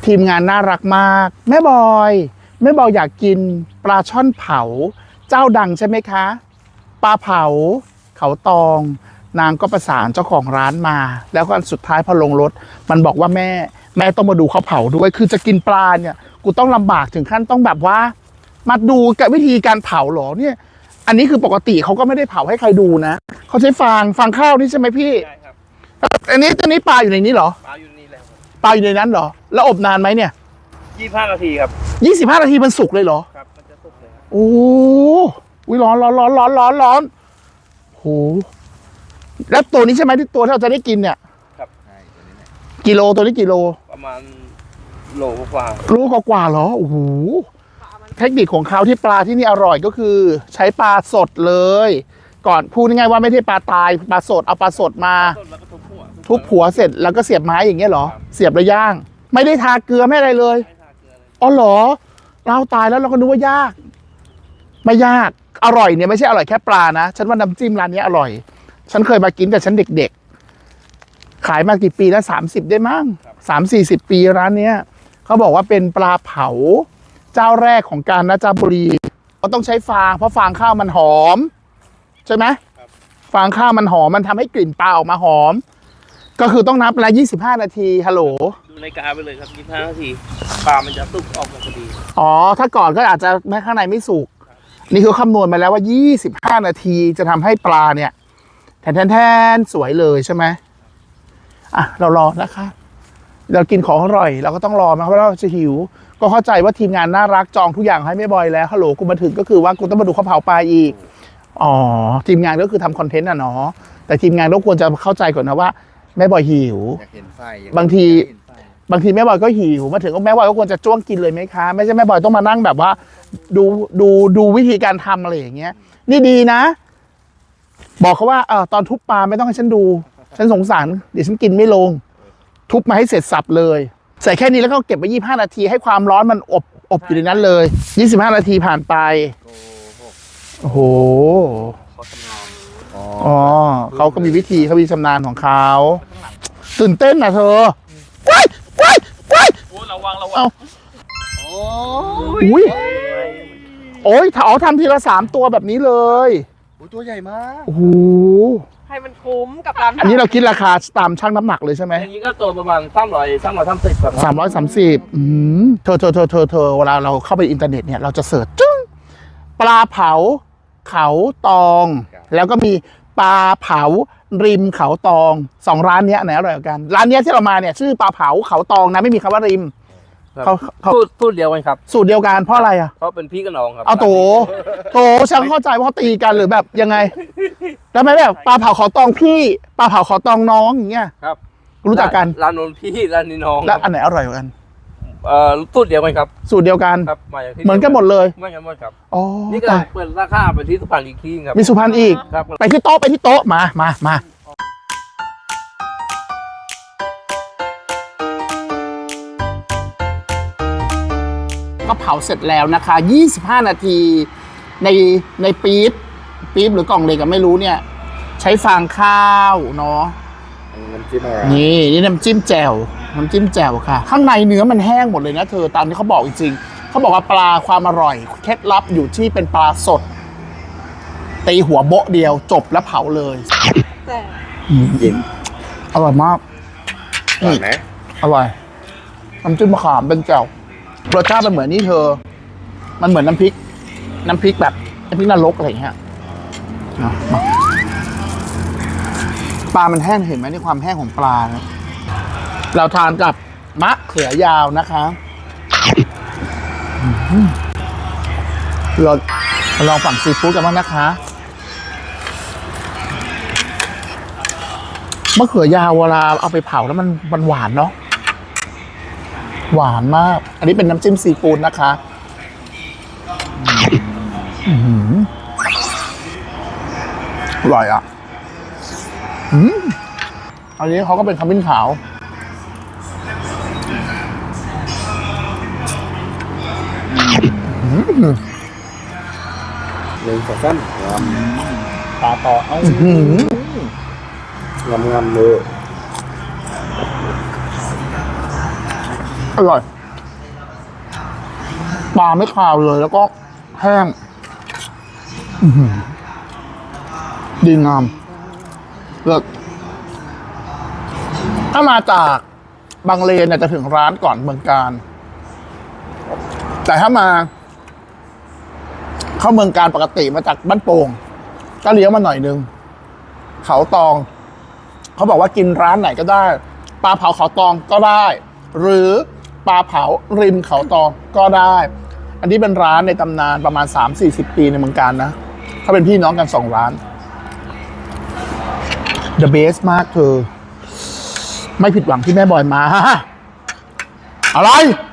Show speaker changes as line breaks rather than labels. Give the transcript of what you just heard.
ทีมงานน่ารักมากแม่บอยอยากกินปลาช่อนเผาเจ้าดังใช่ไหมคะปลาเผาเขาตองนางก็ประสานเจ้าของร้านมาแล้วก็สุดท้ายพอลงรถมันบอกว่าแม่ต้องมาดูเขาเผาด้วยคือจะกินปลาเนี่ยกูต้องลำบากถึงขั้นต้องแบบว่ามาดูกับวิธีการเผาหรอเนี่ยอันนี้คือปกติเขาก็ไม่ได้เผาให้ใครดูนะเขาใช้ฟางข้าวนี่ใช่ไหมพี่ใช่ครับอันนี้ปลาอยู่ในนี้เหรอปลาอยู่นี่แหละปลาอยู่ในนั้นเหรอแล้วอบนานไหมเนี่ย25 นาทีครับ25 นาทีมันสุกเลยเหรอครับมันจะสุกเลยโอ้ยร้อนโหแล้วตัวนี้ใช่ไหมที่ตัวที่เราจะได้กินเนี่ยครับใช่ตัวนี้กิโลตัวนี้กิโลประมาณโลกว่าเหรอโอ้โหเทคนิคของเขาที่ปลาที่นี่อร่อยก็คือใช้ปลาสดเลยก่อนพูดง่ายๆว่าไม่ใช่ปลาตายปลาสดเอาปลาสดมาทุบหัวเสร็จแล้วก็เสียบไม้อย่างเงี้ยเหรอเสียบแล้วย่างไม่ได้ทาเกลือไม่อะไรเลยอ๋อเหรอเราตายแล้วเราก็นึกว่ายากไม่ยากอร่อยเนี่ยไม่ใช่อร่อยแค่ปลานะฉันว่าน้ำจิ้มร้านนี้อร่อยฉันเคยมากินแต่ฉันเด็กๆขายมากี่ปีแล้ว30ได้มั้ง30-40 ปีร้านเนี้ยเขาบอกว่าเป็นปลาเผาเจ้าแรกของกาญจนบุรีก็ต้องใช้ฟางเพราะฟางข้าวมันหอมใช่ไหมฟางข้าวมันหอมมันทำให้กลิ่นปลาออกมาหอมก็คือต้องนับละ25 นาทีฮัลโหลดูในกาไปเลยครับ25 นาทีปลามันจะสุกออกมาพอดีอ๋อถ้าก่อนก็อาจจะแม้ข้างในไม่สุกนี่คือคำนวณมาแล้วว่า25 นาทีจะทำให้ปลาเนี่ยแทนสวยเลยใช่ไหมอ่ะเรารอนะคะเรากินของอร่อยเราก็ต้องรอมาเพราะเราจะหิวก็เข้าใจว่าทีมงานน่ารักจองทุกอย่างให้แม่บอยแล้วฮัลโหลกูมาถึงก็คือว่ากูต้องมาดูเขาเผาปลาอีกอ๋อทีมงานก็คือทำคอนเทนต์เนาะแต่ทีมงานก็ควรจะเข้าใจก่อนนะว่าแม่บอยหิวบางทีแม่บอยก็หิวมาถึงก็แม่บอยก็ควรจะจ้วงกินเลยไหมคะไม่ใช่แม่บอยต้องมานั่งแบบว่าดูวิธีการทำอะไรอย่างเงี้ยนี่ดีนะบอกเขาว่าตอนทุบปลาไม่ต้องให้ฉันดูฉันสงสารเดี๋ยวฉันกินไม่ลงทุบมาให้เสร็จสับเลยใส่แค่นี้แล้วก็เก็บไว้25 นาทีให้ความร้อนมันอบอยู่ในนั้นเลย25 นาทีผ่านไปโอ้โหอ๋อเขาก็มีวิธีเขามีชำนาญของเขาตื่นเต้นนะเธอว้ายระวังโอ้ยทำทีละ3 ตัวแบบนี้เลยตัวใหญ่มากโอ้โห
ให้มันคุ้มกับร้าน
อันนี้เราคิดราคาตามชั่งน้ำหนักเลยใช่ไหม
อันนี้ก็ตัวประมาณ330ครับ
330เธอเวลาเราเข้าไปอินเทอร์เน็ตเนี่ยเราจะเสิร์ชจึ้งปลาเผาเขาตองแล้วก็มีปลาเผาริมเขาตอง2 ร้านนี้ไหนอร่อยกว่ากันร้านนี้ที่เรามาเนี่ยชื่อปลาเผาเขาตองนะไม่มีคำว่าริม
เขาพูดเดียวกันครับ
สูตรเดียวกันเพราะอะไรอ่ะ
เพราะเป็นพี่กับน้องครับ
เอาโตฉันเข้าใจว่าเขาตีกันหรือแบบยังไงแล้วไม่แบบปลาเผาเขาตองพี่ปลาเผาเขาตองน้องอย่างเงี้ย
ครับ
รู้จักกัน
ร้านนนพี่ร้านนี้น้อง
แล้วอันไหนอร่อยกว่ากัน
สูตรเดียวกันครับ
สูตรเดียวกัน
ครับ
เหมือนกันหมดเลย
เหมือนกันหมดครับ
อ๋อ
นี่ก็เปิดราคาไปที่สุพรรณอีกที่ครับ
มีสุพรรณอีก
ครับ
ไปที่โต๊ะมาก็เผาเสร็จแล้วนะคะ25 นาทีในปี๊บหรือกล่องเล็กก็ไม่รู้เนี่ยใช้ฟางข้าวเนาะ
น้ำจิ้มอะไร
นี่น้ำจิ้มแจ่วค่ะข้างในเนื้อมันแห้งหมดเลยนะเธอตามที่เขาบอกจริงๆเขาบอกว่าปลาความอร่อยเคล็ดลับอยู่ที่เป็นปลาสดตีหัวโบ๊ะเดียวจบแล้วเผาเลย
ยิน
อร่อยมาก
อร่อยไหม
อร่อยน้ำจิ้มมะขามเป็นแจ่วรสชาติมันเหมือนนี่เธอมันเหมือนน้ำพริกแบบน้ำพริกนรกอะไรอย่างเงี้ยปลามันแห้งเห็นไหมในความแห้งของปลานะเราทานกับมะเขือยาวนะคะเราลองฝั่งซีฟู้ดกันบ้างนะคะมะเขือยาวเวลาเอาไปเผาแล้วมันหวานเนาะหวานมากอันนี้เป็นน้ำจิ้มซีฟู้ดนะคะอร่อยอ่ะอันนี้เขาก็เป็นขมิ้นขาว
สั้นปลาต่องามเลย
อร่อยปลาไม่คาวเลยแล้วก็แห้งอื้อหือดีงามเลิศถ้ามาจากบางเลนเนี่ยจะถึงร้านก่อนเมืองการ แต่ถ้ามา เข้าเมืองการปกติมาจากบ้านโป่งก็เลี้ยวมาหน่อยนึงเขาตองเขาบอกว่ากินร้านไหนก็ได้ปลาเผาเขาตองก็ได้ หรือปลาเผาริมเขาตองก็ได้ อันนี้เป็นร้านในตำนานประมาณ 3-40 ปีในเมืองการนะเขาเป็นพี่น้องกัน2ร้าน The best มากเธอไม่ผิดหวังที่แม่บอยมาอะไร